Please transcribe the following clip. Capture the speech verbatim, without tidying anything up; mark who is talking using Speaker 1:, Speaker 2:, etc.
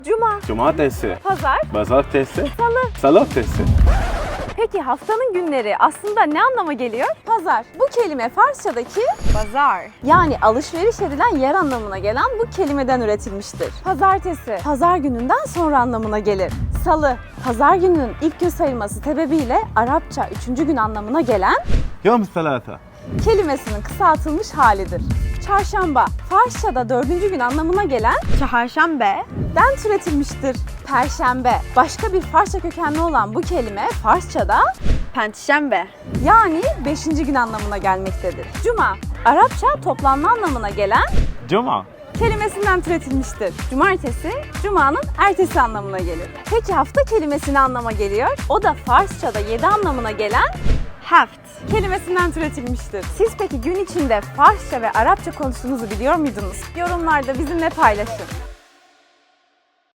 Speaker 1: Cuma,
Speaker 2: Cumartesi,
Speaker 1: pazar,
Speaker 2: pazartesi,
Speaker 1: salı.
Speaker 2: salatesi.
Speaker 1: Peki haftanın günleri aslında ne anlama geliyor? Pazar. Bu kelime Farsçadaki
Speaker 3: Pazar.
Speaker 1: yani alışveriş edilen yer anlamına gelen bu kelimeden üretilmiştir. Pazartesi, pazar gününden sonra anlamına gelir. Salı, pazar gününün ilk gün sayılması sebebiyle Arapça üçüncü gün anlamına gelen
Speaker 2: Yom salata.
Speaker 1: kelimesinin kısaltılmış halidir. Çarşamba, Farsçada dördüncü gün anlamına gelen
Speaker 3: Çarşamba.
Speaker 1: den türetilmiştir. Perşembe, başka bir Farsça kökenli olan bu kelime Farsçada
Speaker 3: Perşembe.
Speaker 1: yani beşinci gün anlamına gelmektedir. Cuma, Arapça toplanma anlamına gelen
Speaker 2: Cuma.
Speaker 1: kelimesinden türetilmiştir. Cumartesi, Cuma'nın ertesi anlamına gelir. Peki hafta kelimesi ne anlama geliyor? O da Farsçada yedi anlamına gelen
Speaker 3: Haft.
Speaker 1: kelimesinden türetilmiştir. Siz peki gün içinde Farsça ve Arapça konuştuğunuzu biliyor muydunuz? Yorumlarda bizimle paylaşın.